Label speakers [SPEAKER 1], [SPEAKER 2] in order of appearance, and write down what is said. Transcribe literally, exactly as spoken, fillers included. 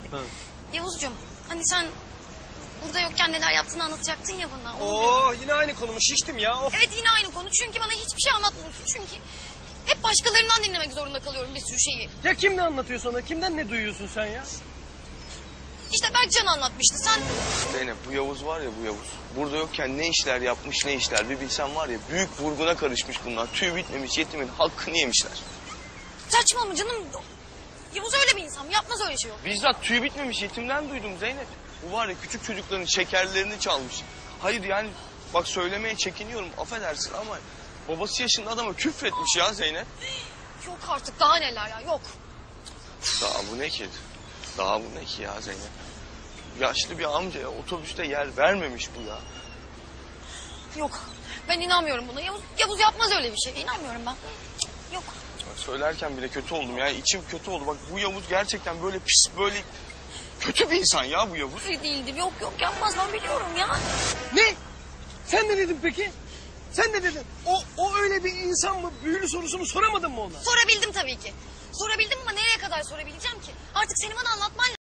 [SPEAKER 1] Hı.
[SPEAKER 2] Yavuzcuğum hani sen burada yokken neler yaptığını anlatacaktın ya bana. Onu
[SPEAKER 1] Oo
[SPEAKER 2] diyorum.
[SPEAKER 1] yine aynı konu mu? Şiştim ya. Of.
[SPEAKER 2] Evet yine aynı konu çünkü bana hiçbir şey anlatmıyorsun. Çünkü hep başkalarından dinlemek zorunda kalıyorum bir sürü şeyi.
[SPEAKER 1] Ya kim ne anlatıyor sana? Kimden ne duyuyorsun sen ya?
[SPEAKER 2] İşte Berkcan anlatmıştı sen...
[SPEAKER 3] Zeynep bu Yavuz var ya bu Yavuz. Burada yokken ne işler yapmış ne işler bir bilsen var ya büyük vurguna karışmış bunlar. Tüy bitmemiş yetimin hakkını yemişler.
[SPEAKER 2] Saçma mı canım? Yavuz öyle bir insan yapmaz öyle şey yok.
[SPEAKER 3] Bizzat tüy bitmemiş yetimden duydum Zeynep. Bu var ya küçük çocukların şekerlerini çalmış. Hayır yani bak söylemeye çekiniyorum affedersin ama babası yaşında adama küfretmiş ya Zeynep.
[SPEAKER 2] Yok artık daha neler ya yok.
[SPEAKER 3] Daha bu ne ki? Daha bu ne ki ya Zeynep? Yaşlı bir amcaya otobüste yer vermemiş bu ya.
[SPEAKER 2] Yok ben inanmıyorum buna. Yavuz, Yavuz yapmaz öyle bir şey. İnanmıyorum ben. Cık, Yok.
[SPEAKER 3] Söylerken bile kötü oldum ya. İçim kötü oldu. Bak bu Yavuz gerçekten böyle pis böyle kötü bir insan ya bu Yavuz.
[SPEAKER 2] Öyle değildir. Yok yok yapmaz ben biliyorum ya.
[SPEAKER 1] Ne? Sen ne dedin peki? Sen ne dedin? O, o öyle bir insan mı? Büyülü sorusunu soramadın mı ona?
[SPEAKER 2] Sorabildim tabii ki. Sorabildim ama nereye kadar sorabileceğim ki? Artık senin bana anlatman